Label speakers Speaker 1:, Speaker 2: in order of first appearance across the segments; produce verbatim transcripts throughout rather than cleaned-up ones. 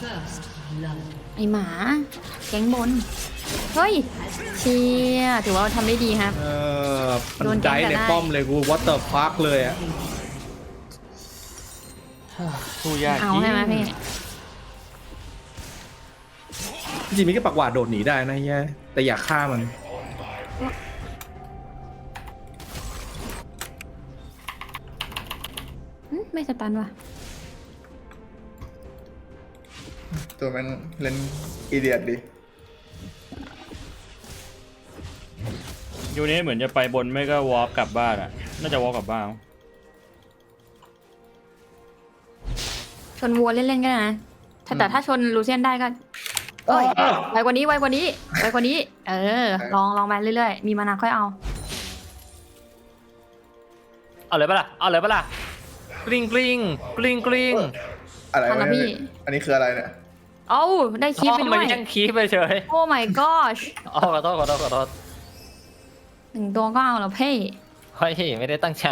Speaker 1: ไอหมาแก๊งบนเฮ้ยเชียถือว่าทำได้ดีครับ
Speaker 2: เออมันได้ในป้อมเลยกูวัตเตอร์พาร์คเลยอ่ะ
Speaker 3: สู้ยาก
Speaker 1: เอาใช่ไหมพี่
Speaker 2: จริงๆมีแค่ปักหวาดโดดหนีได้นะเฮียแต่อยากฆ่ามัน
Speaker 1: ไม่สตันว่ะ
Speaker 4: ตัวมันเล่นอีเดียดดิ
Speaker 3: ยูนี้เหมือนจะไปบนไม่ก็วอล์กกลับบ้านอ่ะน่าจะวอล์กกลับบ้าน
Speaker 1: ชนวัวเล่นๆก็ได้นะแต่ถ้าชนลูเซียนได้ก็เอ้ยไวกว่านี้ไวกว่านี้ไวกว่านี้เออลองลองไปเรื่อยๆมีมานาค่อยเอา
Speaker 5: เอาเลยปะล่ะเอาเลยปะล่ะกริ๊งกริ๊งกริ๊งกริ๊ง
Speaker 4: อะไรวะพี่อันนี้คืออะไรเนี่ย
Speaker 1: เอ้าได้คีบไปด้วย
Speaker 5: มันยังคีบไปเฉย
Speaker 1: โอ้ my gosh
Speaker 5: อ๋อขอโทษขอโทษขอโทษ
Speaker 1: หนึ่งตัวก็เอาแล้วเพ่
Speaker 5: เฮ้ยไม่ได้ตั้งใจ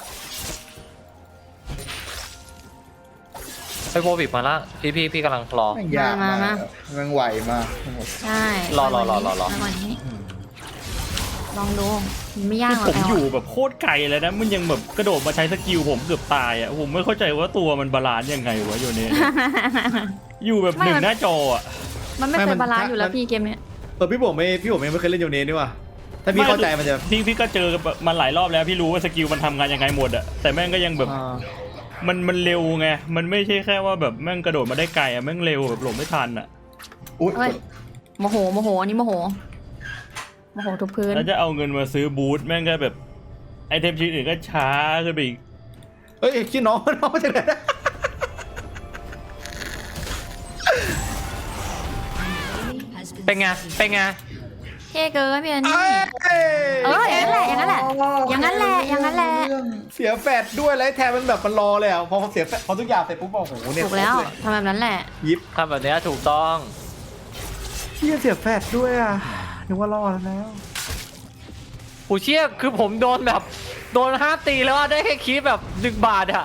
Speaker 5: ไปโบบิกมาละพี่พี่พี่กำลังรอ
Speaker 4: มันยากมากมันไหวมาก
Speaker 1: ใช่
Speaker 5: รอรอรอรอรอ
Speaker 1: ลองดูไม่ยากหรอก
Speaker 3: ผมอยู่แบบโคตรไกลเลยนะมันยังแบบกระโดดมาใช้สกิลผมเกือบตายอ่ะผมไม่เข้าใจว่าตัวมันบาลานซ์ยังไงวะโยเน่อยู่แบบหนึ่งหน้าจออ่ะ
Speaker 1: มันไม่เป็นบาลานซ์อยู่แล้วพี่เกมเนี้ย
Speaker 2: เออพี่ผมไม่พี่ผมไม่เคยเล่นโยเน่นี่ว่ะถ้าพี่เข้าใจมันจะ
Speaker 3: พี่พี่ก็เจอมันหลายรอบแล้วพี่รู้ว่าสกิลมันทำงานยังไงหมดอ่ะแต่แม่งก็ยังแบบมันมันเร็วไงมันไม่ใช่แค่ว่าแบบแม่งกระโดดมาได้ไกลอ่ะแม่งเร็วแบบหลบไม่ทันอ่ะ
Speaker 4: อุ้ย
Speaker 1: โมโหโมโหอันนี้โมโหโมโหทุกพื้น
Speaker 3: แล้วจะเอาเงินมาซื้อบูทแม่งก็แบบไอเทมชิ้นอื่นก็ช้าขึ้นไปอีก
Speaker 2: เฮ้ยคิดน้องน้องจะไหน
Speaker 5: เป็นไงเป็นไง
Speaker 1: เท่เกินพี่อันนี้เอออย่างนั้นแหละอย่างนั้นแหละอย่างนั้นแหละอย่างนั้นแหละ
Speaker 2: เสียแฟดด้วยแล้วแทนมันแบบมันรอเลยอ่ะพอเสียแฟดพอทุกอย่างเสร็จปุ๊บบอกโอ้โหเนี่ย
Speaker 1: ถูกแล้วทำแบบนั้นแหละ
Speaker 2: ยิบ
Speaker 5: ทำแบบนี้ถูกต้อง
Speaker 2: เฮียเสียแฟดด้วยอ่ะนึกว่ารอดแล้ว
Speaker 5: ผู้เชี่ยคือผมโดนแบบโดนห้าตีแล้วได้แค่คีบแบบหนึ่งบาทอะ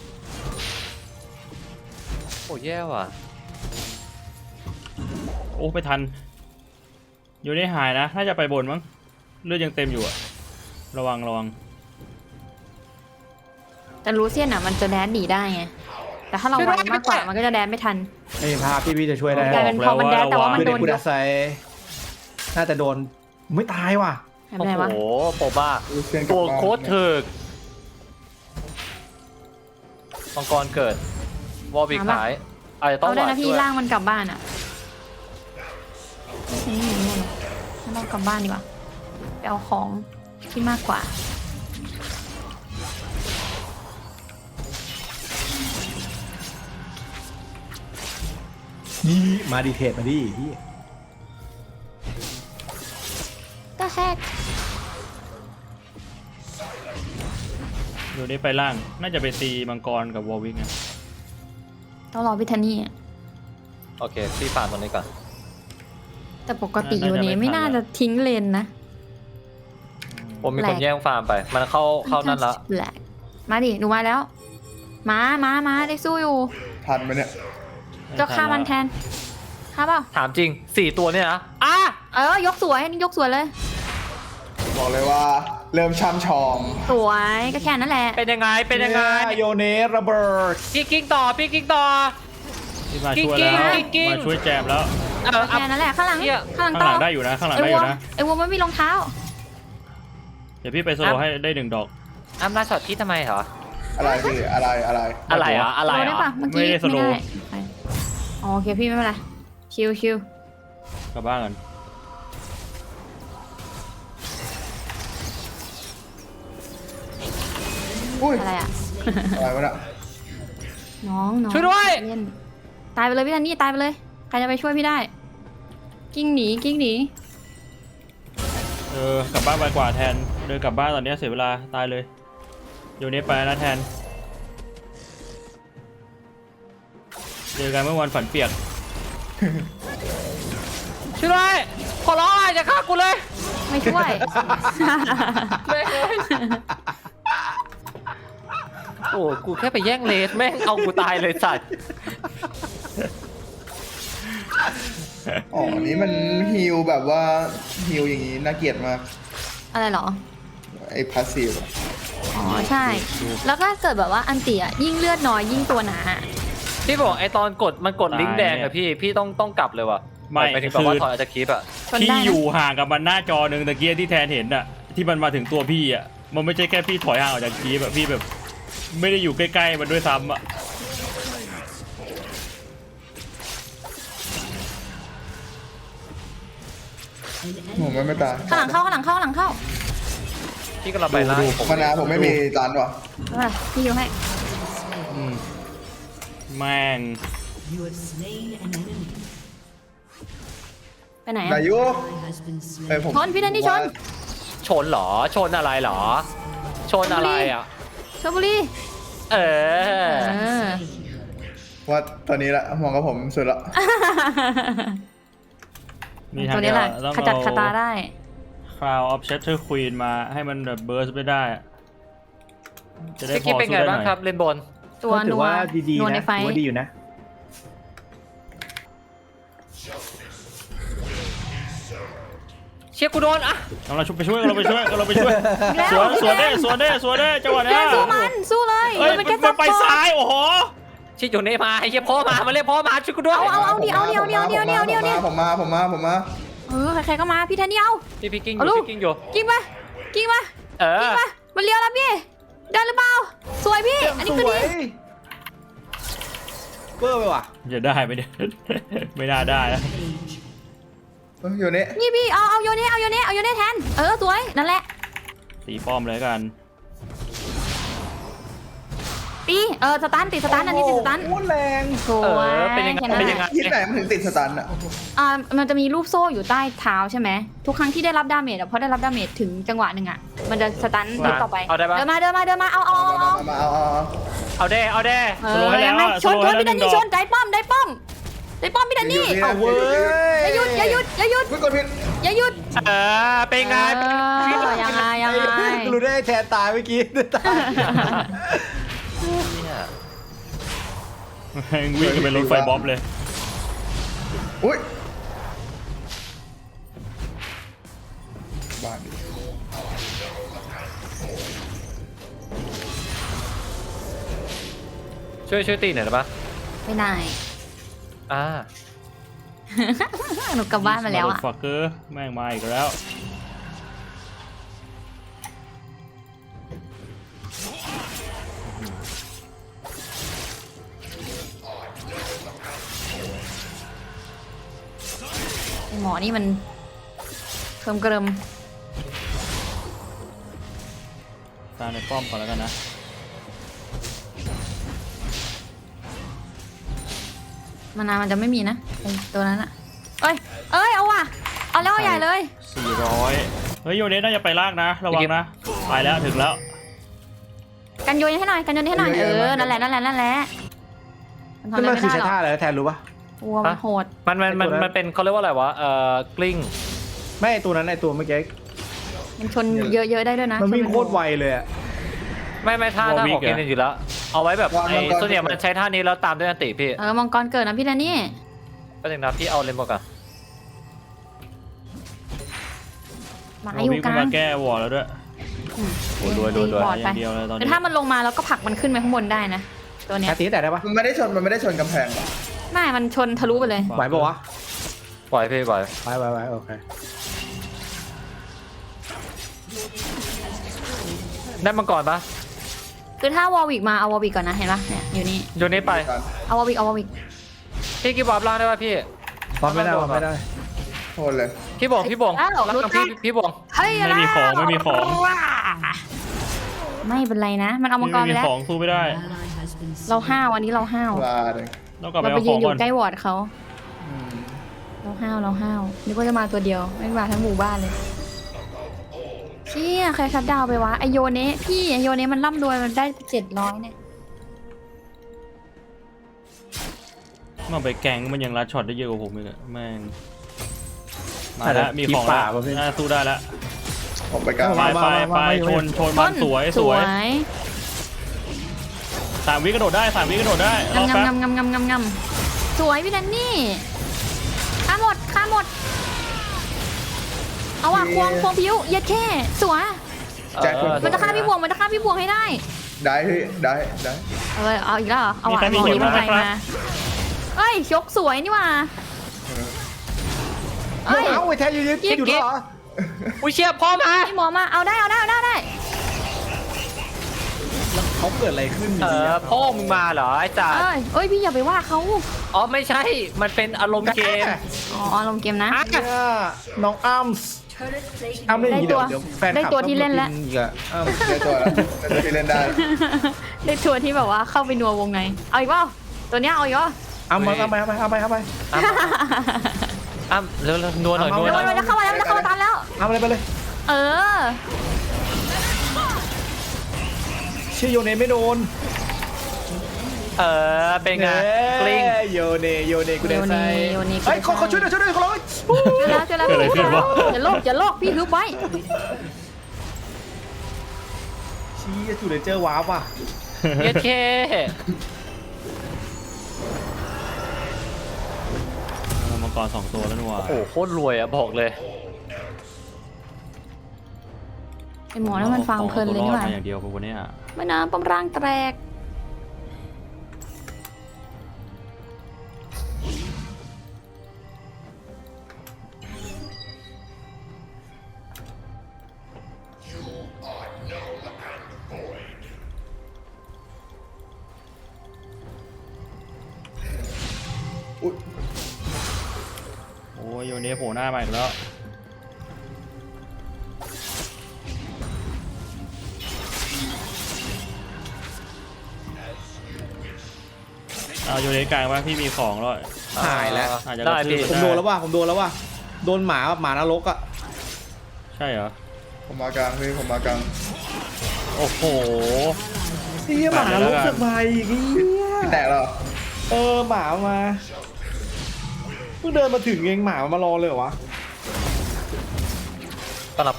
Speaker 5: โอ้แย่ว่ะ
Speaker 3: โอ้ไปทันอยู่ในหายนะน่าจะไปบนมั้งเลือดยังเต็มอยู่อะระวังระวัง
Speaker 1: แต่ลูเซียนอ่ะมันจะแดนหนีได้ไงแต่ถ้าเราไวมากกว่ามันก็จะแดนไม่ทัน
Speaker 2: ไอ้พาพี่พี่จะช่วยได้
Speaker 1: กลายเป็นพอมันแดนแต่ว่ามันโดนยก
Speaker 2: น่าจะโดนไม่ตายว่ะ
Speaker 5: โอ้โหโปบ้าโปโคตรถึกมังกรเกิดวอลบิกหายอาจจะต้อง
Speaker 1: เอาได้นะพี่ล่างมันกลับบ้านอ่ะนี่นี่งั้นเรากลับบ้านดีกว่าไปเอาของที่มากกว่า
Speaker 2: นี่มาดีเทสมาดิพี่
Speaker 1: ก็แฮก
Speaker 3: อยู่นี่ไปล่างน่าจะไปตีมังกรกับวอลวิกนะ
Speaker 1: ต้องรอพิธานี่
Speaker 5: โอเคพี่ผ่านตรงนี้ก่อน
Speaker 1: แต่ปกติอยู่นี้ไม่น่าจะทิ้งเลนนะ
Speaker 5: ผมมีคนแย่งฟาร์มไปมันเข้าเข้านั่นแล้ว
Speaker 1: แหละมาดิหนูมาแล้วมามามาได้สู้อยู่
Speaker 4: ทันไหมเนี่ย
Speaker 1: ก็ฆ่ามันแทนฆ่าเปล่า
Speaker 5: ถามจริงสี่ตัวเนี่ยนะอ่ะ
Speaker 1: เออยกสวยนี่ยกสวยเลย
Speaker 4: บอกเลยว่าเริ่มช่ำชอง
Speaker 1: สวยก็แค่นั้นแหละ
Speaker 5: เป็นยังไงเป็นยังไง
Speaker 2: โยเนสระเบิด
Speaker 5: พี่กิ๊กต่อพี่กิ๊กต่อ
Speaker 3: พี่มาช่วยแล้วมาช่วยแจมแล้ว
Speaker 1: แค่นั้นแหละข้างหลัง
Speaker 3: ข้างหลังได้อยู่นะข้างหลังได้อยู่นะ
Speaker 1: ไอ้วัวไม่มีรองเท้า
Speaker 3: เดี๋ยวพี่ไปโซโลให้ได้หนึ่งดอก
Speaker 5: อ้ำลาช็อตที่ทำไมเหรอ
Speaker 4: อะไรพี่อะไรอะไร
Speaker 5: อะไรอ่ะอะไรอ่ะ
Speaker 1: ไม่ได้โซโลโอเคพี่ไม่เป็นไรชิวชิว
Speaker 3: กลับบ้านกัน
Speaker 1: อะไรอ่ะ
Speaker 4: อะไรวะเนี่ย
Speaker 1: น้องน้อง
Speaker 5: ช่วยด้วย
Speaker 1: ตายไปเลยพี่ทันนี่ตายไปเลยใครจะไปช่วยพี่ได้กิ้งหนีกิ้งหนี
Speaker 3: เออกลับบ้านไปกว่าแทนเดินกลับบ้านตอนนี้เสียเวลาตายเลยอยู่นี่ไปนะแทนเจอกันเมื่อวันฝันเปียก
Speaker 5: ช่วยด้วยขอร้องอย่าฆ่ากูเลย
Speaker 1: ไม่ช่วย
Speaker 5: ไม่เลยโอ้กูแค่ไปแย่งเลสแม่งเอากูตายเลยสัตว์
Speaker 4: อ๋ออันนี้มันฮิลแบบว่าฮิลอย่างนี้น่าเกลียดมาก
Speaker 1: อะไรเหรอ
Speaker 4: ไอ้พาสซีฟ
Speaker 1: อ๋อใช่ แล้วก็เกิดแบบว่าอันเตียยิ่งเลือดน้อยยิ่งตัวหนา
Speaker 5: พี่บอกไอตอนกดมันกดลิงก์แดงอะพี่พี่ต้องต้องกลับเลยว่ะ
Speaker 3: ไม่
Speaker 5: ไปถึงแบบว่าถอยอาจจะคลิปอะ
Speaker 1: ชน
Speaker 3: พี่
Speaker 1: ได้
Speaker 3: อ
Speaker 1: นะ
Speaker 3: ยู่ห่างกับมันหน้าจอหนึ่งตะเกียที่แทนเห็นอะที่มันมาถึงตัวพี่อะมันไม่ใช่แค่พี่ถอยห่างออกจากคีแบบพี่แบบ ไม่ได้อยู่ใกล้ๆมันด้วยซ้ำอะ
Speaker 4: ผมไม่ไม่ตาย
Speaker 1: ข้างหลังเข้าข้างหลังเข้าข้างหลังเข้า
Speaker 5: พี่ก็เราไปไล่ผม
Speaker 4: มานาผมไม่มีจานว่ะ
Speaker 1: เออพี่อยู่ให้
Speaker 3: อืมแม่ง
Speaker 6: You have slain an enemy.
Speaker 1: ไปไหน
Speaker 4: นา
Speaker 1: อะ
Speaker 4: ยุเอ้ยผม
Speaker 1: ชนพี่แดนนี่ชน
Speaker 5: ชนเหรอชนอะไรเหรอ ชนอะไรอ่ะ
Speaker 1: ชลบุรี
Speaker 5: เออ
Speaker 1: เออ
Speaker 4: ว่าตอนนี้ละมองกับผมสุดละ
Speaker 3: มีทาง
Speaker 1: ตัวนี้แหละ
Speaker 3: ต้อง
Speaker 1: ขจัด
Speaker 3: เอา
Speaker 1: คาตาได้
Speaker 3: Crown of Shatter Queen มาให้มันแบบเบิร์สไม่ได้อะจะได้
Speaker 5: พี่
Speaker 3: พ
Speaker 5: กิ๊ฟ
Speaker 3: อ
Speaker 5: เป็น
Speaker 3: สู้
Speaker 5: ไง
Speaker 3: ได้ห
Speaker 5: บ้าง
Speaker 3: น่อย
Speaker 5: ครับเลนบน
Speaker 1: ตัว
Speaker 2: ก็ถื
Speaker 1: นั
Speaker 2: อ
Speaker 1: ว
Speaker 2: ว่าดี
Speaker 1: นัว
Speaker 2: ๆ
Speaker 1: ใน
Speaker 2: นะ
Speaker 1: ไฟ
Speaker 2: ถือว่าดีอยู่นะ
Speaker 5: เชียร์กูโดนอะ
Speaker 3: เราไปช่วยเราไปช่วยเราไปช่วย
Speaker 1: แล้ว
Speaker 3: สวนสวนได้สวนได้สวนได้จังหวะ
Speaker 1: พี่
Speaker 3: เนี้
Speaker 1: แด
Speaker 3: ย
Speaker 1: นสู้มันสู้เลย
Speaker 3: เอ้ย
Speaker 1: มัน
Speaker 3: มั
Speaker 1: เป็น
Speaker 3: น
Speaker 1: แค่ซั
Speaker 3: มั
Speaker 1: บ
Speaker 3: นไป
Speaker 1: พอร์ต
Speaker 3: ซ้ายโอ้โห
Speaker 5: ชิอยู่นี่มาไอ้เชียร์พ่อมามาเรียกพ่อมาช่วยกูด้วย
Speaker 1: เอาเอาเอาดิเอาดิเอาดิเอาดิเอาดิเอาดิเอาดิ
Speaker 4: ผมมาผมมาผมมา
Speaker 1: เออใครๆก็มาพี่แทนนี่เอา
Speaker 5: พี่พี่กิ้งอ
Speaker 1: เอา
Speaker 5: ยู่
Speaker 1: ลูก
Speaker 5: พี่กิ้งอยู่
Speaker 1: กิ้งมากิ้งมา
Speaker 5: เอ
Speaker 1: กิ้
Speaker 5: อง
Speaker 1: มามันเลี้ยวแล้วพี่ได้หรือเปล่าสวยพี่อันนี้
Speaker 2: ส
Speaker 1: คือ
Speaker 2: ว
Speaker 1: ดี
Speaker 2: ยเบอร์ไปว่ะ
Speaker 3: จะได้ไหมเนี่ย ไม่น่าได้นะ
Speaker 4: เอ้ยอยู่นี่
Speaker 1: นี่พี่เอาเอาโยเน่เอาโยเน่เอาโยเน่แทนเออสวยนั่นแหละ
Speaker 3: ตีป้อมเลยกัน
Speaker 1: ตีเออสตันติดสตันอันนี้ติดสตัน
Speaker 2: โอ้โหแรง
Speaker 1: สวย
Speaker 5: เออเป็นยังไง
Speaker 1: แค่นั้น
Speaker 5: เป็น
Speaker 1: แห
Speaker 5: ยังไง
Speaker 1: ละ
Speaker 4: ที่ไหนมันถึงติดสตันอ่ะ
Speaker 1: อ่ามันจะมีรูปโซ่อยู่ใต้เท้าใช่ไหมทุกครั้งที่ได้รับดาเมจอะพอได้รับดาเมจถึงจังหวะหนึ่งอะมันจะสตันรูปต่อไป
Speaker 5: เอาได้ปะ
Speaker 1: เดินมาเดินมาเดินมาเอาเอาเอาเอา
Speaker 4: มาเอาเอาเอา
Speaker 5: เอาเด้เอาเด้
Speaker 1: เออยังไงชนชนพี่แดนนี่ชนได้ป้อมได้ป้อมได้ป้อมพี่แดนนี่
Speaker 4: เอาเว้ย
Speaker 1: อย่าหยุดอย่าหยุดอย่าหยุด
Speaker 4: ไม่กดผิด
Speaker 1: อย่าหยุด
Speaker 5: เออเป็นไง
Speaker 1: เออยังไงยังไง
Speaker 2: รู้ได้แทนตายเมื่อกี้ตาย
Speaker 5: เนี่ย
Speaker 3: แม่งวิ่งกันเป็นรถไฟบ๊อบเลย
Speaker 4: อุ้ยบ้านดิ
Speaker 5: ช่วยช่วยตีหน่อยได้ปะ
Speaker 1: ไม่ได้
Speaker 5: อ่า
Speaker 1: หนูกลับบ้านมาแล้วอะ
Speaker 3: ฟักเกอร์แม่งมาอีกแล้ว
Speaker 1: ไอ้หมอนี่มันเคิมเกริม
Speaker 3: ตามในป้อมก่อนแล้วกันนะ
Speaker 1: มานานมันจะไม่มีนะไอ้ตัวนั้นอะเอ้ยเอ้ยเอาว่ะเอาแล้วเอาใหญ่เลย
Speaker 3: สี่ร้อยเฮ้ยโยเนสน่าจะไปลากนะ ระวังนะ ไปแล้วถึงแล้ว
Speaker 1: กันโยนให้หน่อยกันโยนให้หน่อยเออนั่นแหละนั่นแหละนั่นแหละมันทำ
Speaker 2: นั่น
Speaker 1: อะไร
Speaker 2: มัน
Speaker 1: ไม่
Speaker 2: คือ
Speaker 1: ได้หรอก
Speaker 2: ใช้ท่าอะไรนะแทนรู้ปะ
Speaker 1: วัวมันโหด
Speaker 5: มันมันมัน
Speaker 2: ไอ้ตัวนั้น
Speaker 5: มันเป็นเขาเรียกว่าอะไรวะเอ่อกลิ้ง
Speaker 2: ไม่ไอ้ตัวนั้นไอ้ตัวเมื่อกี้
Speaker 1: มันชนเยอะๆได้ด้วยนะ
Speaker 2: มันวิ่ง
Speaker 1: ช
Speaker 2: โคตรไวเลยอะ
Speaker 5: ไม่ไม่ท่าท่าของ
Speaker 3: Warwick
Speaker 5: กิน
Speaker 3: อะ
Speaker 5: อยู่แล้ว เอาไว้แบบไอ้ส่วนใหญ่มันใช้ท่านี้แล้วตามด้วยอันติพี่
Speaker 1: เออมังกรเกิดนะพี่แดนนี่
Speaker 5: ก็ถึงนะพี่เอาเลนบอกอะ
Speaker 1: หมา
Speaker 3: โร
Speaker 1: อยู่
Speaker 3: บิก
Speaker 1: กลา
Speaker 3: มาง แก้วอร์แล้วด้วย
Speaker 1: อืม
Speaker 5: โอ้ยรวยรวยรวย
Speaker 1: บอด
Speaker 3: อ
Speaker 1: ไป
Speaker 3: ย่างเดียวเลยตอน
Speaker 1: แต่
Speaker 3: นี้
Speaker 1: ถ้ามันลงมาแล้วก็ผลักมันขึ้นไปข้างบนได้นะ ตัวเนี้ย
Speaker 2: แค่ตีแต่ได้ปะ
Speaker 4: มันไม่ได้ชนมันไม่ได้ชนกำแพงหรอ
Speaker 1: ไม่ มันชนทะลุไปเลย
Speaker 2: ไหวปะวะ
Speaker 5: ปล่อยพี่ปล่อย
Speaker 2: ไหวไหวไหวโอเค
Speaker 5: ได้มังกรปะ
Speaker 1: คือถ้าวอลวิกมาเอาวอลวิกก่อนนะเห็นปะเนี่ยอยู่นี่
Speaker 5: โยนนี้ไป
Speaker 1: เอาวอลวิกเอาวอลวิก
Speaker 5: พี่กิ๊บวาร์ปล่างได้ปะพี่
Speaker 2: วางไม่ได้วางไม่ได้
Speaker 4: โทษเลย
Speaker 5: พี่บงพี่บง
Speaker 1: อ้าว
Speaker 5: ล่าง
Speaker 1: รู้
Speaker 5: พี่
Speaker 1: จัก
Speaker 5: พี่บง
Speaker 1: เฮ้ย
Speaker 3: ไม่มีของไม่มีของ
Speaker 1: ไม่เป็นไรนะ มันเอามังกร
Speaker 3: ไม่
Speaker 1: ไป
Speaker 3: มี
Speaker 1: แล้ว
Speaker 3: ของสู้ไม่ได้
Speaker 6: Ally has been
Speaker 1: เรา
Speaker 6: slain.
Speaker 1: ห้าวอันนี้เราห้าว
Speaker 4: ลาเลย
Speaker 3: ต้องกลับไป
Speaker 1: เราไป
Speaker 3: เอาข
Speaker 1: ยื
Speaker 3: อน ง
Speaker 1: อยู่
Speaker 3: ก่อน
Speaker 1: ใกล้วอร์ดเขา
Speaker 4: อืม
Speaker 1: เราห้าวเราห้าวนึกว่าจะมาตัวเดียวไม่มาทั้งหมู่บ้านเลยเชี่ยใครคัดดาวไปวะไอโยเนะพี่ไอโยเนะมันร่ำรวยมันได้เจ็ดร้อยเนี่ย
Speaker 3: มาไปแกงมันยังรัดช็อตได้เยอะกว่าผมเลยแม่งมา
Speaker 2: แต่
Speaker 3: แล้วมีของ
Speaker 2: ป่า
Speaker 3: แล้ว
Speaker 2: ประเภท
Speaker 3: น่าสู้ได้แล้ว
Speaker 4: ผมไปกลาง
Speaker 3: ไป
Speaker 2: มา
Speaker 3: ไป
Speaker 2: มา
Speaker 3: ไป
Speaker 2: มา
Speaker 3: ชนชนมันสวยสวยสามวิกระโดดได้สามวิกระโดดได้รอแป๊บ
Speaker 1: งำงำงำงำงำงำสวยพี่แดนนี่ฆ่าหมดฆ่าหมดเอาว่ะควงควงผิวเย็ดแค่สวย
Speaker 4: แจ็ค
Speaker 5: เออ
Speaker 1: มันจะฆ่าพี่บวงมันจะฆ่าพี่บวงให้ได้
Speaker 4: ได้พี่ได้ได้
Speaker 1: เออเอาอีกแล้วเหรอเอาว่ะ
Speaker 3: มีใครมี
Speaker 1: บอก
Speaker 3: เข็
Speaker 1: นี้
Speaker 3: ม
Speaker 1: มัน
Speaker 3: ไหม
Speaker 1: ไป
Speaker 3: ครับ
Speaker 1: มาเอ้ยชกสวยนี่ว่ะเอ้ย
Speaker 2: เอ้าไอ้แท้อยู่นี่อยู่ด้วยเหรอ
Speaker 5: อุ้ยเชี่ยพ่อมา
Speaker 1: พี่หมอมาเอาได้เอาได้เอาได้เอาได้
Speaker 2: เขาเกิดอะไรขึ้นจ
Speaker 5: เอ
Speaker 2: ริงๆ
Speaker 5: อ
Speaker 2: อะ
Speaker 5: พ่อมึงมาเหรอไอ้จ่า
Speaker 1: เอ้ยเอ้ยพี่อย่าไปว่าเขา
Speaker 5: อ๋อไม่ใช่มันเป็นอารมณ์เกม
Speaker 1: อ๋อลงเกมนะ
Speaker 5: อ่ะ
Speaker 2: เนี่ยน้องอ้ำอ้ำเล่นอย่างนี้เดี๋ยวเดี๋ยวแฟนคลับ
Speaker 1: ได้ตัวที่เล่นแล้ว
Speaker 2: ต้องมากิอีกอะอ้ำ
Speaker 4: ได้ตัวแล้วได้ตัวที่เล่นได้
Speaker 1: ได้ทัวร์ที่แบบว่าเข้าไปนัววงในเอาอีกเปล่าตัวเนี้ยเอาอีกเปล่า
Speaker 2: เอามาเอาไปเอาไปเอาไปเอาไป
Speaker 5: อ้ำเร็วเร็วนัวหน่อย
Speaker 2: เอา
Speaker 5: นัว
Speaker 1: เดี๋ยว
Speaker 5: หน่
Speaker 1: มั
Speaker 5: อย
Speaker 1: นจะเข้ามาแล้วมันจะเข้ามาตามแล้ว
Speaker 2: เอาอะไรไปเลย
Speaker 1: เออ
Speaker 2: ชื่อโยเนไม่โดน
Speaker 5: เออเป็นไงกลิ้ง
Speaker 2: เอ้ยโยเนโยเนกูเดนไซ
Speaker 1: โยเนโยเน
Speaker 2: เฮ้ยเขาเขาช่วยหน่อยช่วยหน่อยเขาร้อง
Speaker 1: เจอแล้วเจอแล้ว
Speaker 3: เกิดอะไรขึ้นวะ
Speaker 1: อย่าโลกอย่าโลกพี่ฮึบไว้
Speaker 2: ชี้จูเลเจอร์วาร์ปว่ะ
Speaker 5: เย็ดเค
Speaker 3: เอามังกรสองตัวแล้วนัว
Speaker 5: โอ้โหโคตรรวยอะบอกเลย
Speaker 1: ไอหมอนั่นมันฟังเพลินเลยนี่หว่า
Speaker 3: อาตัวรอดมาอย่างเดียวปะวันเนี้ย
Speaker 1: ไม่นะปมร่างแตก
Speaker 4: อุ๊ย
Speaker 3: โอ้ยโยเนโผล่หน้ามาอีกแล้วเอาโยเนกลางว่าพี่มีของแล้ว
Speaker 2: หายแล้ว
Speaker 3: อาจจะ
Speaker 5: ได้
Speaker 3: กระทืบ
Speaker 5: พี่
Speaker 2: ผมโดนแล้วว่ะผมโดนแล้วว่ะโดนหมาหมานรกอ่ะ
Speaker 3: ใช่เหรอ
Speaker 4: ผมมากลางพี่ผมมากลาง
Speaker 3: โอ้โห
Speaker 2: เฮียหมานรกเสือกมาอีกเฮีย
Speaker 4: พี่แตกแล้วเหรอ
Speaker 2: เออหมามาเพิ่งเดินมาถึงเองหมามารอเลยเหรอวะ
Speaker 5: ต้อนรับไป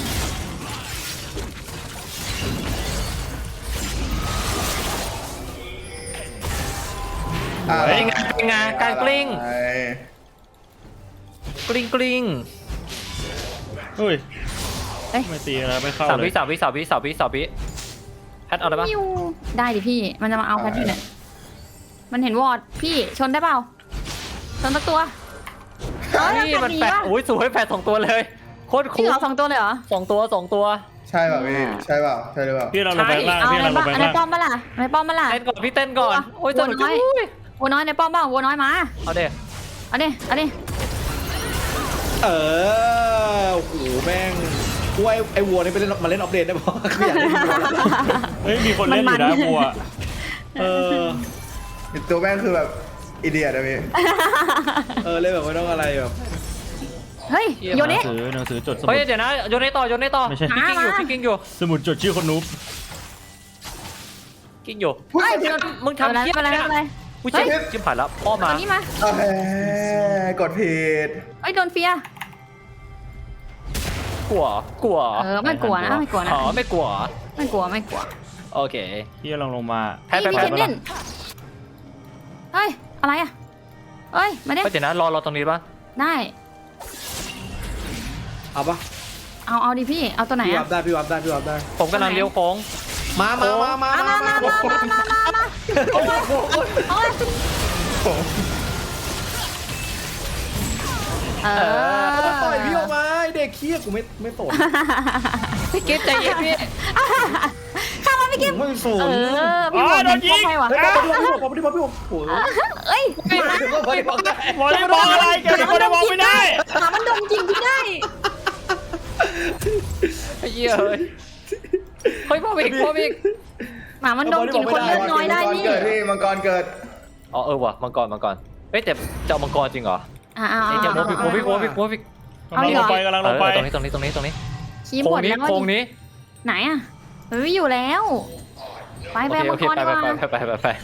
Speaker 4: อ่า
Speaker 5: เป็นไงเป็นไงการกลิ้ง
Speaker 4: ไอ้
Speaker 5: กลิ้งกลิ้ง
Speaker 3: เฮ้ย
Speaker 1: เอ้ย
Speaker 3: ไม่ตีแล้วไม่เข้า
Speaker 5: สาม
Speaker 3: เล
Speaker 5: วิ
Speaker 3: ย
Speaker 5: สามวิสามวิสามวิสามวิแพทเอาได้ปะ
Speaker 1: มิวได้ดิพี่มันจะมาเอาแพทอยู่เนี่ยมันเห็นวอร์ดพี่ชนได้เปล่าชนสักตัวเอ้ย
Speaker 5: นี่มัน
Speaker 1: หนี
Speaker 5: แปด
Speaker 1: วะ
Speaker 5: โอ้ยสวยแปดสองตัวเลยโคตร
Speaker 1: จริง
Speaker 5: คุ้ม
Speaker 1: เหรอสองตัวเลยเหรอ
Speaker 5: สองตัวสองตัว
Speaker 4: ใช่เปล่าพี่ใช่เปล่าใช่หรือเปล่า
Speaker 3: พี่เราลงไปข้างล่าง
Speaker 1: เอา
Speaker 3: พี่
Speaker 1: อะไร
Speaker 3: เราลง
Speaker 1: บ้าง
Speaker 3: ไป
Speaker 1: อัน
Speaker 3: ข้าง
Speaker 1: ไหน
Speaker 3: ล่าง
Speaker 1: ป้อมมาล่ะไหนป้อมมาล่ะ
Speaker 5: เต้นก่อนพี่เต้นก่อนโอ้ยส
Speaker 1: วัว
Speaker 5: นุก
Speaker 1: น้
Speaker 5: จั
Speaker 1: อง ยวัวน้อยในป้อมเปล่าวัวน้อยมา
Speaker 5: เอาเด็
Speaker 1: เอาดิเอาดิ
Speaker 2: เออโอ้โหแม่งกูไอ้ไอ้วัวนี่ไปเล่นมาเล่นออฟเดตได้ปะคืออยากเล่นวัว
Speaker 3: เฮ้ยมีคนเล่นอยู่นะบัว
Speaker 2: เออ
Speaker 4: ตัวแม่งคือแบบอีเดียนะพี่
Speaker 2: เออเล่นแบบไม่ต้องอะไรแบบ
Speaker 1: เฮ้ยโย
Speaker 3: หนั
Speaker 1: เนะ
Speaker 3: งสือหนังสือจดสมุ
Speaker 5: เฮ้ย
Speaker 3: ด
Speaker 5: เดี๋ยวนะโยนให้ต่อโยนให้ต่อ
Speaker 3: ไม่ใช่
Speaker 5: พี่กิ้งอยู่
Speaker 1: มา
Speaker 5: พี่กิ้งอยู่
Speaker 3: สมุดจดชื่อคนนูบ
Speaker 5: กิ้งอยู่
Speaker 1: เฮ้ย
Speaker 5: มึงทำ
Speaker 1: ไม่
Speaker 5: เหี้ย
Speaker 1: เป็นไร
Speaker 5: อะไร
Speaker 1: ไม่เป็นไร
Speaker 5: กูเจ็บจิ้มผ่านแล้วพ่อมา
Speaker 1: ตัวนี้มา
Speaker 4: เอ้ยกดผิด
Speaker 1: เอ้ยโดนเฟีย
Speaker 5: กลัวกลัว
Speaker 1: เออไม่กลัวนะไม่กลัวนะ
Speaker 5: อ๋อไม่กลัว
Speaker 1: ไม่กลัวไม่กลัว
Speaker 5: โอเค
Speaker 3: พี่ลองลงมา
Speaker 5: แพ้
Speaker 1: พี่
Speaker 5: แพ้
Speaker 1: มี
Speaker 5: แพ้
Speaker 1: เทนเน่นเฮ้ยอะไรอ่ะเฮ้ยมาดิ
Speaker 5: เฮ้ยเดี๋ยวนะรอรอตรงนี้ป่ะ
Speaker 1: ได้
Speaker 2: เอาปะ
Speaker 1: เอาเอาดิพี่เอาตัวไหน
Speaker 2: พี่วั
Speaker 1: อ่ะ
Speaker 2: บได้พี่วับได้พี่วับได้
Speaker 5: ผมกำลังเลี้ยวโค้ง
Speaker 2: มามามามา
Speaker 1: มามามามามามามามาโอ้ยโอ้ยเออ
Speaker 2: ต่อยพี่ออกมาไอ้เด็กเคี้ยกูไม่ไม่ตด
Speaker 5: พี่กิ๊ฟใจเย็นพี่
Speaker 1: ข้ามมาพี่กิ๊ฟ
Speaker 2: ไม่ส
Speaker 1: เอน อพี่บอกมันป้องให้ว่ะ
Speaker 2: เฮ้ยพี่บอกพี่บอกพี่บอกพี่บอกโอ้ย
Speaker 1: เอ้ย
Speaker 2: พี่บอกได้
Speaker 3: บอลได้บอลอะไรแกเป็นคนได้บอลไม่ได้
Speaker 1: หมามันดมจริงพี่ได้
Speaker 5: ไอ้เหี้ยเฮ้ยเฮ้ยพ่ออีกพ่ออีก
Speaker 1: หมามันดมกลิ่นคนเลือดน้อยได้
Speaker 4: มังกร
Speaker 1: นี่
Speaker 4: เกิดพี่มังกรเกิด
Speaker 5: อ๋อเออว่ะมังกรมังกรเฮ้ยแต่จะเอามังกรจริงเหรอ
Speaker 1: อ่าอ่า
Speaker 5: ไอ้เจ้าโมบิกโมบิกโมบิกโมบิก
Speaker 3: กำลังลงไปกำลังลงไป
Speaker 5: ตรงนี้ตรงนี้ตรงนี้ตรงนี้
Speaker 1: ชี้ห
Speaker 5: โค้
Speaker 1: ม
Speaker 5: ง
Speaker 1: ด
Speaker 5: นี้
Speaker 1: แล้ว
Speaker 5: โค้งนี้
Speaker 1: ไหนอ่ะมันไม่อยู่แล้ว ไป
Speaker 5: โอ
Speaker 1: ไป
Speaker 5: เค
Speaker 1: มั
Speaker 5: โอง เค
Speaker 1: กร
Speaker 5: ไป
Speaker 1: ดีก
Speaker 5: ไป
Speaker 1: ว่า
Speaker 5: ไปไปไปไป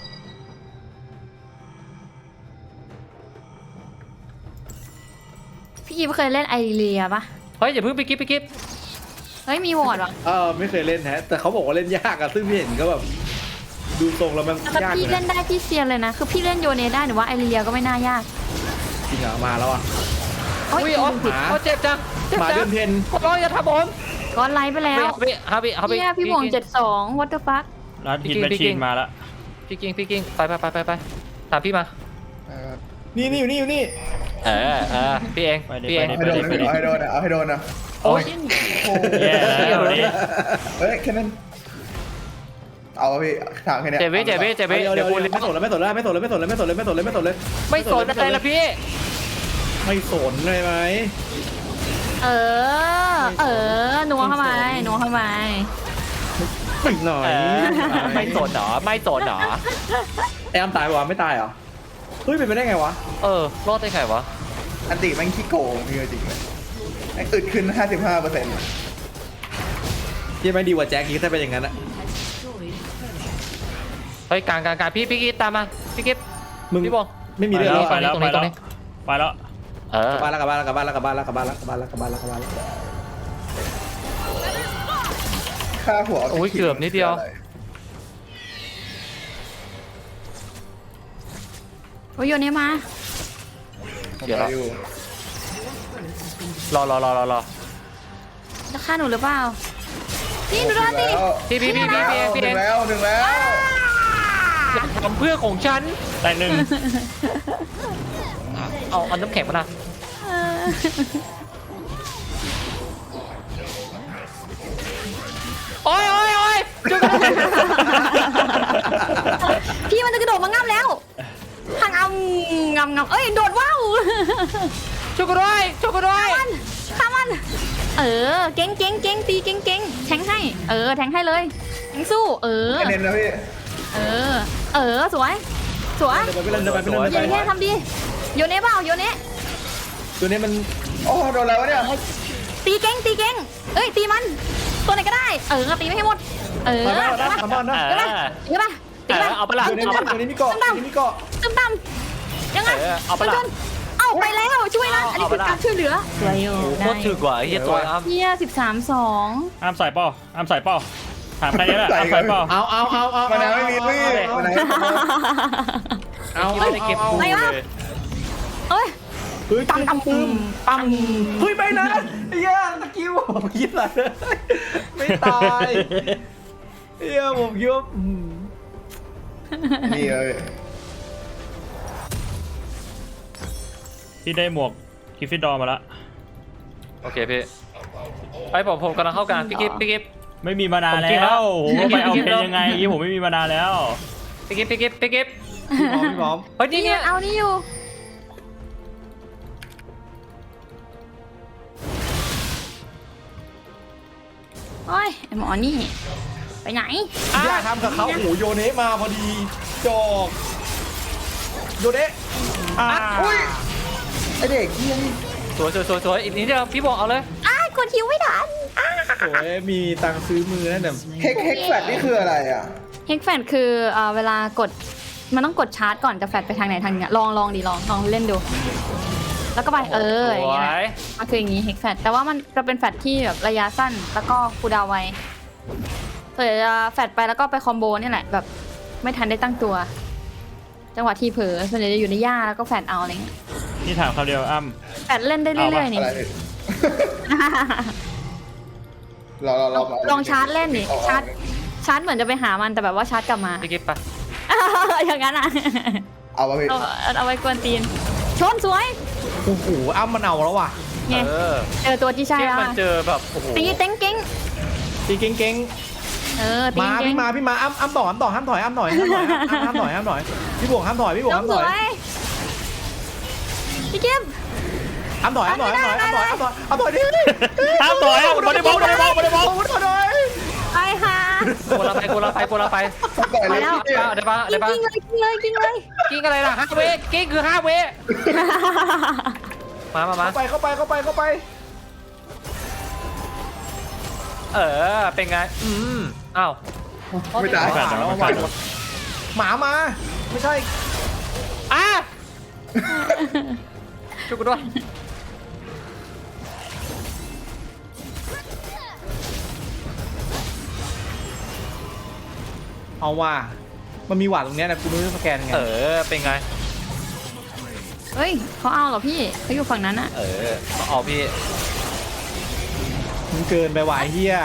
Speaker 1: พี่กิ๊ฟเคยเล่นไอเรียปะ
Speaker 5: เฮ้ยอย่าเพิ่งไปกิ๊บไปกิ๊บ
Speaker 1: เฮ้ยมีวอร์ดว่ะ
Speaker 2: เออไม่เคยเล่นแฮะแต่เขาบอกว่าเล่นยากอะซึ่งพี่เห็นก็แบบดูทรงแล้วมัน
Speaker 1: แต่
Speaker 2: ยากอ
Speaker 1: พี่
Speaker 2: ยู่
Speaker 1: เล่
Speaker 2: นะ
Speaker 1: นได้พี่เซียนเลยนะ คือพี่เล่นโยเนได้หรือว่าไอเรียก็ไม่น่ายาก
Speaker 2: จริงเหรอมาแล้วอ่ะ
Speaker 1: โอ้ย
Speaker 5: อุ้ยอ๋อ
Speaker 1: ผิด
Speaker 2: หมา
Speaker 5: เขาเจ็บจังเจ็บ
Speaker 2: หมา
Speaker 5: จั
Speaker 2: เดื
Speaker 5: ง
Speaker 2: อนเพ็ญ
Speaker 5: ขอร้องอย่าทำผม
Speaker 1: ก้อนไลท์ไปแล้ว
Speaker 5: เอาไปเอาไปเอาไป
Speaker 1: เนี่ยพี่บวงเจ็ดสอง what the fuck
Speaker 3: รัดฮิตแมชชีนมาแล้ว
Speaker 5: พี่กิ้งพี่กิ้งไปไปไปไปไปตามพี่มา
Speaker 4: เออ
Speaker 2: นี่นี่อยู่นี่อยู่นี่
Speaker 5: เออเออพี่เอง
Speaker 3: ไปดิ
Speaker 5: พี่เอง
Speaker 3: ไป
Speaker 4: เอา
Speaker 3: ดิ
Speaker 4: ให้โดนนะเอาให้โดนนะเอาให้โดนนะ
Speaker 5: โอ้ย
Speaker 4: โอ้
Speaker 3: แย่แล้ววันนี้
Speaker 4: เฮ้ยแค่นั้นเอาอะพี่ถามแค่เนี้ย
Speaker 5: เจ็บวิเจ็บวิเจ็บวิ
Speaker 2: เดี๋ยว
Speaker 5: เดี๋
Speaker 2: เดี๋
Speaker 5: ย
Speaker 2: ยว ว
Speaker 5: กู
Speaker 2: ไม่สนแล้วไม่สนแล้วไม่สนแล้วไม่สนแล้วไม่สนแล้วไม่สนแล้วไม่สนแล้วไม่สนแล้ว
Speaker 5: ไม่สนอะไรละพี่
Speaker 2: ไม่สนเลยไหม
Speaker 1: เออ เออนัวเข้ามานัวเข้ามา
Speaker 2: ไม่หน่อย
Speaker 5: เออไม่สนเหรอไม่สนเหรอ
Speaker 2: แอมตายวะไม่ตายเหรอเฮ้ยเป็นไปได้ไงวะ
Speaker 5: เออรอดได้ไงวะ
Speaker 4: อันติแม่งขี้โกงพี่จริงเลยไอ้อึดขึ้น ห้าสิบห้าเปอร์เซ็นต์
Speaker 2: ที่ไม่ดีกว่าแจ็คกี้ถ้าเป็นอย่างนั้นอะ
Speaker 5: เฮ้ยกลางกลางกลางพี่พี่กิ๊บตามมาพี่กิ๊บ
Speaker 2: มึง
Speaker 5: พี่บอง
Speaker 2: ไม่มี
Speaker 3: ไป
Speaker 2: เรื่อง
Speaker 3: แล้
Speaker 2: แล้ว ว
Speaker 3: ไปแล้ว
Speaker 5: ตร
Speaker 3: ไป
Speaker 5: งนี้
Speaker 3: แล้ว
Speaker 5: ตรงนี้
Speaker 3: ไปแล้ว
Speaker 5: เออก
Speaker 2: ลับบ้านแล้วกลับบ้านแล้วกลับบ้านแล้วกลับบ้านแล้วกลับบ้านแล้วกลับบ้านแล้วกลับบ้านแล้วกลับบ้านแล้วกลับบ้านแล้ว
Speaker 4: ค่าหัว
Speaker 5: โอ้ยเกือบนิดเดียว
Speaker 1: โอ้ยโยนนี้มา
Speaker 5: เดี๋ยว
Speaker 4: ร
Speaker 5: ร
Speaker 4: อ
Speaker 5: อ
Speaker 4: อยู่
Speaker 5: รอรอรอรอรอ
Speaker 1: จะฆ่าหนูหรือเปล่าพี่หนูโดนดิ
Speaker 5: พี่พี่พี่พี่พี่พี่
Speaker 4: ห
Speaker 5: เอ
Speaker 4: นึ่
Speaker 5: ง
Speaker 4: งแล้วหนึ่งแล้ว
Speaker 5: อย่าทำเพื่อนของฉัน
Speaker 3: แต่หนึ่ง
Speaker 5: เอาเอาน้ำแข็งมานะ
Speaker 1: เออ
Speaker 5: โอ้ยโอ้ยโอ้ยจุก
Speaker 1: พี่มันจะกระโดดมางับแล้วห่างเอางำงำเอ้ยโดดว้าว
Speaker 5: จุกด้วยจุกด้วย
Speaker 1: มันฆ่ามัน เออ เก่งเก่งเก่งตีเก่งเก่งแทงให้ เออ แทงให้เลยแทงสู้ เออ
Speaker 4: คะแนนนะพี่
Speaker 1: เออ เออ สวย สวย
Speaker 2: เดินไปเล่นเดินไปเล่น
Speaker 1: โย
Speaker 2: เดิน
Speaker 1: เน่
Speaker 2: ไป
Speaker 1: ทำดีโยเน่เปล่าโยเน่
Speaker 2: ตัวนี้มัน
Speaker 4: โอ้โดนแล้ววะเนี่ย
Speaker 1: ตีเก่งตีเก่งเอ้ยตีมัน ตัวไหนก็ได้ เออตีไม่ให้หมด เออ
Speaker 2: มาแล้ว
Speaker 1: ตี
Speaker 2: นะ
Speaker 1: ป่ะ
Speaker 2: ทำบ้านนะ
Speaker 5: เอ
Speaker 1: ตีป่ะ
Speaker 5: อ
Speaker 1: ตีป่ะตีป่ะ
Speaker 5: เออเอาไปละ
Speaker 2: ตัวนี้
Speaker 1: ตึ้ม
Speaker 2: ตัวนี้มีเกาะตัวนี้มีเกาะ
Speaker 1: ตึ้มต่ำยังไง
Speaker 5: เออเอาไปละ
Speaker 1: ชนเอาไปแล้วช่วยนะอันนี้คือการช่วยเหลือสวยอยู่
Speaker 5: โคตรถึกว่ะไอ้เหี้ยตัวอ้ำ
Speaker 1: เฮียสิบสามสอง
Speaker 3: อ้ามใส่เป้าอ้ามใส่เป้าถามใครนี่แหละอ้ามใส่เป้า
Speaker 2: เอาเอาเอาเอา
Speaker 4: มะนาวไม่มีพี่มะนาว
Speaker 2: เอา
Speaker 5: ไม่ได้เก็บปู
Speaker 1: ไม่วะ
Speaker 5: เลย
Speaker 1: เอ้ย
Speaker 2: เฮ้ย
Speaker 1: ตำตำปุ่ม
Speaker 2: ปั๊มเฮ้ยไม่นะไอ้เหี้ยตะกิ้วผมคิดอะไรไม่ตายเฮียผมคิดว่าอืม
Speaker 4: นี่เลย
Speaker 3: พี่ได้หมวกกิฟฟิดดอร์มาแล้ว
Speaker 5: โอเคพี่ไปผมผมกำลังเข้ากลางพี่กิ๊บพี่กิ๊บ
Speaker 3: ไม่มีมานาน
Speaker 5: ผมจริง
Speaker 3: แล้
Speaker 5: แล้ว
Speaker 3: วโอ้โหไปเอา
Speaker 5: จริง
Speaker 3: เพ
Speaker 5: แล้
Speaker 3: ล
Speaker 5: ว
Speaker 3: ยังไงยี่ผมไม่มีมานานแล้ว
Speaker 5: พี่กิ๊บพี่กิ๊บพี่กิ๊บ
Speaker 2: พี่บอมพี่บอม
Speaker 5: เฮ้ยนี่
Speaker 1: นี่
Speaker 5: เนี่ย
Speaker 1: เอานี่อยู่โอ้ยไอหมอนี่ ไปไหน
Speaker 2: อย่าทำกับเขาโอ้โหโยเนะมาพอดีจอกโยเนะ
Speaker 3: อ่า
Speaker 4: อุ้ยไอเด็กเฮียนี่
Speaker 5: สวยสวยสวยสวยอีกนิดเดียวพี่บอกเอาเลย
Speaker 1: อ้ายกดคิวไม่ทันอ้า
Speaker 2: โอ้ยมีตังค์ซื้อมือนั่นแต่
Speaker 4: เฮกเฮกแฟลตนี่คืออะไรอ่ะ
Speaker 1: เฮกแฟนคือเอ่อเวลากดมันต้องกดชาร์จก่อนจะแฟลชไปทางไหนทางเนี้ยลองลองดิลองลองเล่นดู แล้วก็ไปเอออย่าง
Speaker 5: สว
Speaker 1: เงี้ย
Speaker 5: ย
Speaker 1: มันคืออย่างงี้เฮกแฟลชแต่ว่ามันจะเป็นแฟลชที่แบบระยะสั้นแล้วก็คูลดาวน์ไวส่วนจะแฟลชไปแล้วก็ไปคอมโบเนี่ยแหละแบบไม่ทันได้ตั้งตัว จังหวะที่เผลอส่วนใหญ่จะอยู่ในหญ้าแล้วก็แฟลชเอาอะไรเงี้ย
Speaker 3: นี่ถามคำเดียวอ้ำ
Speaker 1: แฟลชเล่นได้เรื่อยๆนี่
Speaker 4: อะไรพี่รอรอรอมา
Speaker 1: ลองชาร์จเล่นดิชาร์จชาร์จเหมือนจะไปหามันแต่แบบว่าชาร์จกลับมา
Speaker 5: พี่กิ๊บไป
Speaker 1: อย่างนั้นอ่ะ
Speaker 4: เอามาพี่
Speaker 1: เอาเอาไว้กวนตีน ชนสวย
Speaker 2: โอ้โหอ้ำมันเอาแล้วว่ะ
Speaker 1: ไง
Speaker 5: เออ
Speaker 1: เจอตัวที่ใช่
Speaker 5: ที่
Speaker 1: แล้ว
Speaker 5: มัน
Speaker 1: อะ
Speaker 5: เจอแบบโอ้โห
Speaker 1: ตีเต็งเก้ง
Speaker 2: ตีเก่ง
Speaker 1: เออ
Speaker 2: ๆ
Speaker 1: ตี
Speaker 2: มา
Speaker 1: เก้ง
Speaker 2: พี่มาพี่มาอ้ำอ้ำต่ออ้ำต่อห้ามถอยอ้ำถอยห้ามถอยห้ามถอยห้ามถอยพี่บวกห้ามถอยพี่บวก
Speaker 1: น้อ
Speaker 2: ห้าง ม
Speaker 1: ส
Speaker 2: ถอ
Speaker 1: วย ยพี่เก็บ
Speaker 2: อ้ำถอยอ้ำถอยอ้ำถอยอ้ำถอยอ้ำถอยอ้ำถอยดิ
Speaker 3: ห้ามถอยอ่ะบอลบอลบอลบอลบอลบอล
Speaker 2: ถอยหน่อย
Speaker 1: ไปค่ะ
Speaker 5: โกลาไปโกลาไปโกลาไป
Speaker 4: ก่อน
Speaker 1: ไป
Speaker 4: เลย
Speaker 1: แล้ว
Speaker 4: พี่
Speaker 5: ได้ปะได้ปะ
Speaker 1: กิ้งเลยกิ้งเลยกิ้งเลย
Speaker 5: กิ้งอะไรล่ะห้าเวกิ้งคือห้าเวมามามา
Speaker 2: เข้าไปเข้าไปเข้าไปเข้าไป
Speaker 5: เออเป็นไงอืมอ้าว
Speaker 4: ไม่ตาย
Speaker 3: แฟนแต่ว่าแฟน
Speaker 2: หมามาไม่ใช่
Speaker 5: อ่ะช่วยกูด้วย
Speaker 2: เอาว่ามันมีหวาดตรงเนี้ยนะกูไม่รู้จะสแกนยังไง
Speaker 5: เออเป็นไง
Speaker 1: เฮ้ยเขาเอาเหรอพี่เขาอยู่ฝั่งนั้นอะ
Speaker 5: เออเอาพี่
Speaker 2: มันเกินไปหวายเฮีย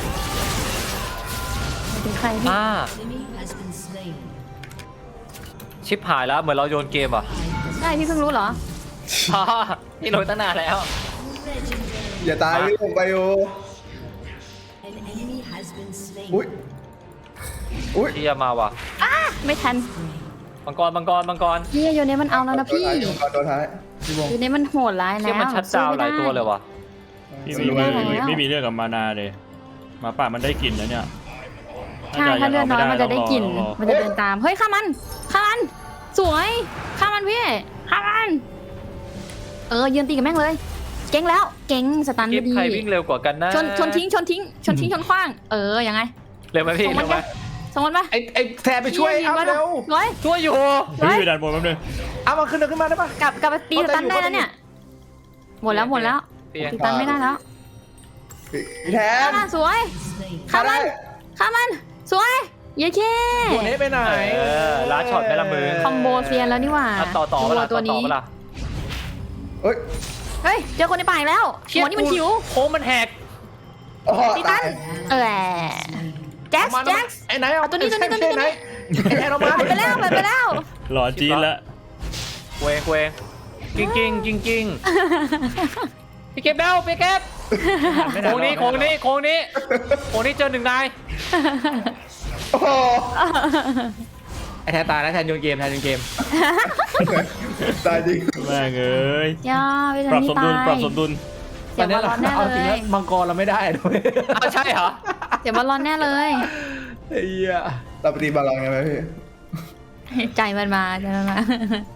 Speaker 1: เป็นใครพี่
Speaker 5: อ่า
Speaker 6: Enemy has been slain.
Speaker 5: ชิปหายแล้วเหมือนเราโยนเกมอ่ะ
Speaker 1: ใช่พี่เพิ่งรู้เหรอ
Speaker 5: อ๋อพี่รู้ตั้งนานแล้ว
Speaker 6: Legendary.
Speaker 4: อย่าตายพี่ผมไปอยู่
Speaker 6: An enemy has been slain.
Speaker 4: อุ้ยอุ้ย
Speaker 5: เชียมาว่ะ
Speaker 1: อ้าไม่ทัน
Speaker 5: มังกรมังกรมังกร
Speaker 1: พี่โยเนมันเอาแล้วนะพี่
Speaker 4: ตัวท้ายพี่บง
Speaker 1: โยเนมันโหดร้ายแล้
Speaker 5: เชี่ยว มันชัดดาวน์หลายตัวเลยว่ะ
Speaker 3: พี่
Speaker 1: สู้
Speaker 3: ไม่
Speaker 1: ไม่
Speaker 3: มี
Speaker 1: ได้แล้ว
Speaker 3: ไม่มีเรื่องกับมานาเลยหมาป่ามันได้กลิ่นแล้วเนี่ย
Speaker 1: ใช่ถ้าเลือดน้อยมันจะได้กลิ่น
Speaker 3: ต้องรอ
Speaker 1: มันจะเดินตาม เฮ้ยฆ่ามันฆ่ามัน สวยฆ่ามันพี่ฆ่ามัน เออยืนตีกับแม่งเลย เก่งแล้ว เก่งสตัน
Speaker 5: กิ
Speaker 1: ไม่
Speaker 5: ฟ
Speaker 1: ดี
Speaker 5: ใครวิ่งเร็วกว่ากันนะ
Speaker 1: ชนชนทิ้งชนทิ้งชนทิ้งชนขว้าง เออยังไง
Speaker 5: เร็วไหมพี่
Speaker 1: ส่งมัน
Speaker 5: เร็วไหม
Speaker 1: ปะส่งมันปะ
Speaker 2: ไอ้ไอ้แทนไปช่วย
Speaker 1: ยิง
Speaker 2: เอา
Speaker 1: มัน
Speaker 2: เร็ว
Speaker 1: ร้อย
Speaker 5: ช่วยอยู่
Speaker 3: เฮ้ยอยู่ด้านบนแป๊บนึง
Speaker 2: เอามาขึ้นเดินขึ้นมาได้ปะ
Speaker 1: กลับกลับไปตีสตันได้แล้วเนี่ย หมดแล้วหมดแล้ว
Speaker 5: เปลี่ยน
Speaker 1: ตีสตันไม่ได้แล้ว
Speaker 4: พี่แท
Speaker 1: ฆ่าน มันสวย
Speaker 6: Slain.
Speaker 1: ฆ่ามันฆ่ามัน สวยเย้เช่
Speaker 2: ตัวนี้ไปไหน
Speaker 5: เออลาช็อตไหมล่ะมึง
Speaker 1: คอมโบเซียนแล้วนี่หว่า
Speaker 5: อ่ะต่อต่อเวลา
Speaker 1: ตัว
Speaker 5: ต่อต่อ
Speaker 1: นี้
Speaker 5: เวลา
Speaker 4: เอ้ย
Speaker 1: เฮ้ยเจอคนในป่าอีกแล้วหัวนี่มันหิว
Speaker 5: โค้งมันแหก
Speaker 4: อ๋อ
Speaker 1: ตีตั
Speaker 4: ตาน ย
Speaker 1: เออแจ็ค
Speaker 2: เอามา
Speaker 1: แจ็ค
Speaker 2: ไอ้ไหนเอา
Speaker 1: เอาตัวนี้ตัวนี้ตัวนี้
Speaker 2: ไอ้ไหนไอ้แทนเอามา
Speaker 1: เปิดไปแล้วเปิดไปแล้ว
Speaker 3: หล่อจีนละ
Speaker 5: เวงเวงกิ้งกิ้งกิ้งกิ้งพี่เก็บแล้วพี่เก็บโค้งนี้โค้งนี้โค้งนี้โค้งนี้เจอหนึ่งนาย
Speaker 4: โอ้โห
Speaker 2: ไอ้แทนตายแล้วแทนโยนเกมแทนโยนเกม
Speaker 4: ตายจริง
Speaker 3: แม่งเอ้ย
Speaker 1: ย่าไป
Speaker 3: ปรับ
Speaker 1: ทำ
Speaker 3: ส
Speaker 1: ที่
Speaker 3: มดุล
Speaker 1: ตาย
Speaker 3: ปรับสมดุล
Speaker 1: เดี๋ยวมาร้อนแน่
Speaker 2: เอา
Speaker 1: เล
Speaker 2: จริง
Speaker 1: ย
Speaker 2: นะมังกรเราไม่ได้ด้วย
Speaker 5: อ้าวใช่เหรอ
Speaker 1: เดี๋ยวมาร้อนแน่เลย
Speaker 2: ไอ้เหี้ย
Speaker 4: เราไปตีบอลลอนกันไหมพี่
Speaker 1: ใจมันมาใจมันมา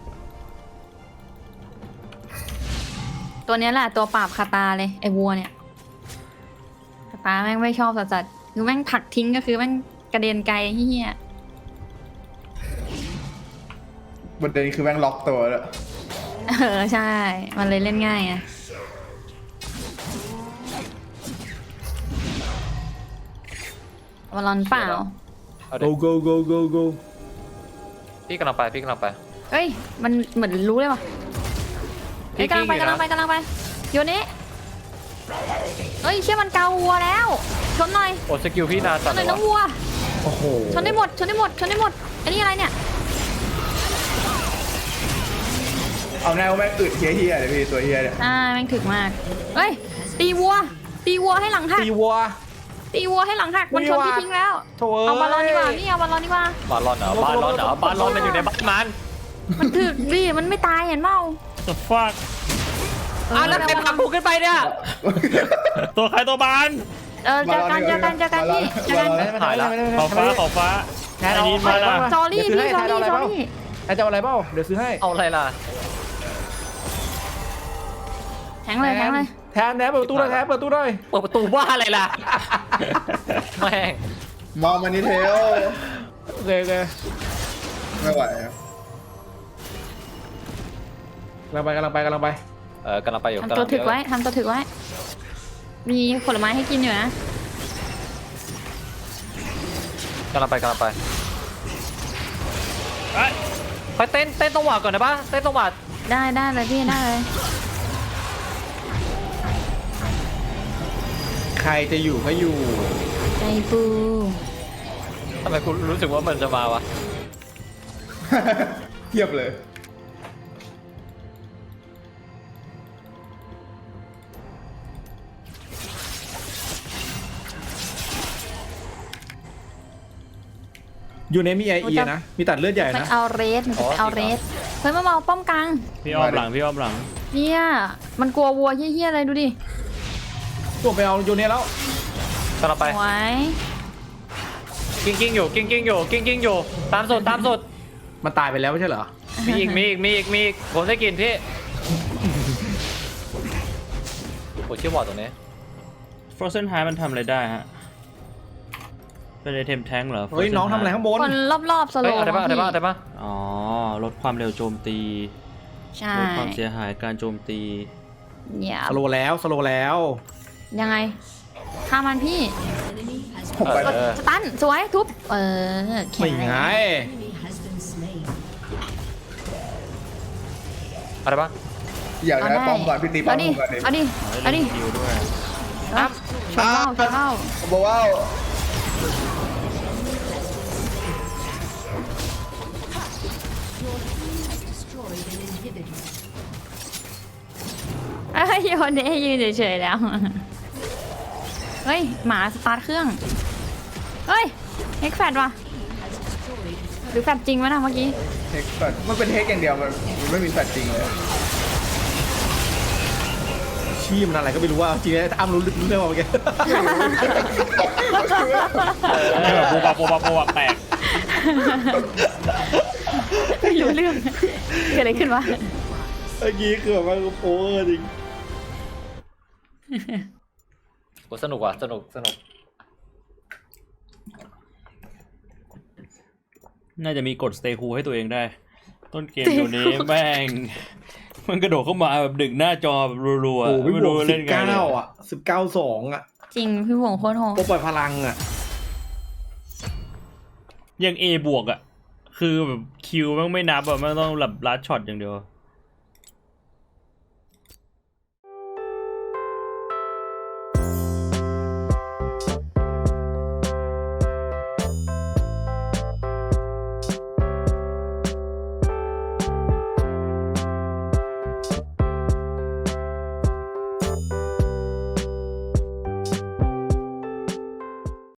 Speaker 1: ตัวเนี้ยแหละตัวปราบคาตาเลยไอ้วัวเนี่ยคาตาแม่งไม่ชอบสัสๆคือแม่งผลักทิ้งก็คือแม่งกระเด็นไกลเฮีย
Speaker 4: ประเด็นคือแม่งล็อกตัวแล้ว
Speaker 1: เออใช่ มันเลยเล่นง่ายไงวอลลอนเปล่า
Speaker 5: เอา
Speaker 2: โก
Speaker 5: ดิ
Speaker 2: โกโกโกโก
Speaker 5: พี่กำลังไปพี่กำลังไป
Speaker 1: เอ้ย มันเหมือนรู้เลยว่ะเฮ้ยกำลังไปกำลังไปกำลังไปโยนี้เอ้ยเชื่อมันเกาวัวแล้ว ชนหน่อย
Speaker 5: โอ้สกิลพี่นาน
Speaker 1: ช
Speaker 5: จั
Speaker 1: น
Speaker 5: ง
Speaker 1: หน่อย
Speaker 5: เล
Speaker 1: น้
Speaker 5: ย
Speaker 1: องวัว
Speaker 2: โอ้โห
Speaker 1: ชนได้หมด ชนได้หมด ชนได้หมดอันนี้อะไรเนี่ย
Speaker 4: เอาแนวแม่งอึดเฮี้ยๆเลยพี่ตัวเฮี้ยเนี่ย
Speaker 1: อ่าแม่งถึกมาก เฮ้ย ตีวัว ตีวัวให้หลังหัก
Speaker 2: ตีวัว
Speaker 1: ตีวัวให้หลังหัก มันชนพี่ทิ้งแล้ว
Speaker 2: โถ่เอ้ย
Speaker 1: เอาบอลลอนดีกว่าพี่เอาบอลลอนดีกว่า
Speaker 5: บาลอนเหรอบาลอนเหรอบาลอนมันอยู่ในบ้านมัน
Speaker 1: มันถึกดิมันไม่ตายเห็นเปล่า
Speaker 3: จะฟัก
Speaker 5: อ่ะแล้วใครผลักกูขึ้นไปเนี่ย
Speaker 3: ตัวใครตัวบาน
Speaker 1: เออเจอกันเจอกันเจอกันพี่เจอกัน
Speaker 5: หายละ
Speaker 3: ขอบฟ้าขอบฟ้า
Speaker 2: แทน
Speaker 3: ไอ้
Speaker 2: เอา
Speaker 3: นี้มาละ
Speaker 1: จอรี่พี่จอรี่จอรี่
Speaker 2: แทนจะเอาอะไรเปล่าเดี๋ยวซื้อให้
Speaker 5: เอาอะไรล่ะ
Speaker 1: แทงเลยแทงเลย
Speaker 2: แทนแทนเปิดประตูหน่อยแทนเปิดประตูหน่อย
Speaker 5: เปิดประตูว่าอะไรล่ะ แม่ง
Speaker 4: มองมันนี่เทล
Speaker 2: โอเคโอเค
Speaker 4: ไม่ไหวอะ
Speaker 2: กำลังไปกำลังไปกำลังไป
Speaker 5: เออกำลังไปอยู่
Speaker 1: ทำตัวถึกไว้ทำตัวถึกไว้ มีผลไม้ให้กินอยู่นะ
Speaker 5: กำลังไปกำลังไป
Speaker 3: เอ้ย
Speaker 5: ไปเต้นเต้นตรงหวะก่อนนะปะเต้นตรงหวะ
Speaker 1: ได้ได้เลยพี่ได้เลย
Speaker 2: ใครจะอยู่ก็อยู่
Speaker 1: ใจปู
Speaker 5: ทำไมคุณรู้สึกว่ามันจะมาวะ
Speaker 4: เทียบเลย
Speaker 2: อยู่ในมีไอเอนะ มีตัดเลือดใหญ่
Speaker 1: ไป
Speaker 2: นะ
Speaker 1: เอาเรสมันจะไปเอาเรสเฮ้ยมาเมาป้อมกลาง
Speaker 3: พี่อ้อมหลังพี่อ้อมหลัง
Speaker 1: เนี่ยมันกลัววัวเฮี้ยๆอะไรดูดิ
Speaker 2: ตัวไปเอาโยเนแล้ว
Speaker 5: กำลังไป
Speaker 1: ไว้
Speaker 5: กิ้งกิ้งอยู่กิ้งกิ้งอยู่กิ้งกิ้งอยู่ ตามสุดตามสุด
Speaker 2: มันตายไปแล้วไม่ใช่เหรอ
Speaker 5: มีอีกมีอีกมีอีกมีอีกผมได้กินพี่โอ้ชื่อวอร์ดตรงนี้
Speaker 3: Frozen High มันทำอะไรได้ฮะ เป็นไอเทมแท้งเหรอ
Speaker 2: เฮ้ย
Speaker 3: Frozen
Speaker 2: น้องทำอะไร
Speaker 3: High
Speaker 2: ข้างบน
Speaker 1: คนรอบๆสโล
Speaker 5: เฮ้ย
Speaker 1: ว์
Speaker 5: เอาได้ปะเอาได้ปะเอาได้ปะ
Speaker 3: อ๋อ ลดความเร็วโจมตี
Speaker 1: ใช่
Speaker 3: ลดความเสียหายการโจมตี
Speaker 1: เนี่ย
Speaker 2: สโลว์แล้วสโลว์แล้ว
Speaker 1: ยังไงฆ่ามันพี่
Speaker 6: Enemy has
Speaker 4: ผมไป
Speaker 1: กดสตันสวยทุบ เออแข็
Speaker 2: ไม่
Speaker 1: ง
Speaker 2: ไง
Speaker 6: enemy has been slain.
Speaker 5: อะไรปะ
Speaker 4: อยาก
Speaker 1: เอา
Speaker 4: ได้
Speaker 1: ได้
Speaker 4: ป้อมก่อนพี่ตีป้อ
Speaker 1: เอา
Speaker 4: ม
Speaker 1: ดิ
Speaker 4: ก่อนดิ
Speaker 1: เอาดิเอาดิ
Speaker 3: คิวด้วย
Speaker 1: เอาชนเบ้าชนเบ้า
Speaker 4: บอกว่า
Speaker 6: Destroyed an inhibitor.
Speaker 1: เอ้ยโยนเดยืนเฉยๆแล้ว เฮ้ย หมาสตาร์ทเครื่อง เฮ้ยเฮกแฟดว่ะ หรือแฟดจริงวะนะเมื่อกี้
Speaker 4: เทคแฟลชมันเป็นเทคอย่างเดียวมันมันไม่มีแฟลชจริงเลย
Speaker 2: ชี้มันอะไรก็ไม่รู้ว่าจริงๆถ้าอ้ำรู้เรื่องมาเมื่อกี้
Speaker 3: ไม่แบบโบบาโบบาโบบาแตก
Speaker 1: ไม่รู้เรื่อง เกิดอะไรขึ้นวะ
Speaker 2: เมื่อกี้คือแบบว่าโอ้จริง
Speaker 5: โหสนุกว่ะสนุกสนุก
Speaker 3: น่าจะมีกด stay cool ให้ตัวเองได้ ต้นเกมอยู่นี้แม่ง มันกระโดดเข้ามาแบบดึกหน้าจอแบบรัว
Speaker 2: โอ้
Speaker 3: ๆ
Speaker 2: พี่
Speaker 3: ไม่
Speaker 2: บว
Speaker 3: รู้
Speaker 2: กสิ
Speaker 3: เล่
Speaker 2: บ
Speaker 3: นไง
Speaker 2: เก้า
Speaker 3: เลย
Speaker 2: อ่ะสิบเก้าสองอ่ะ
Speaker 1: จริง พี่หวงโคตรโหด
Speaker 2: ตัวปล่อยพลังอ่ะ
Speaker 3: ยัง A บวกอ่ะ คือแบบคิวแม่งไม่นับอ่ะแม่งต้องแบบลัดช็อตอย่างเดียว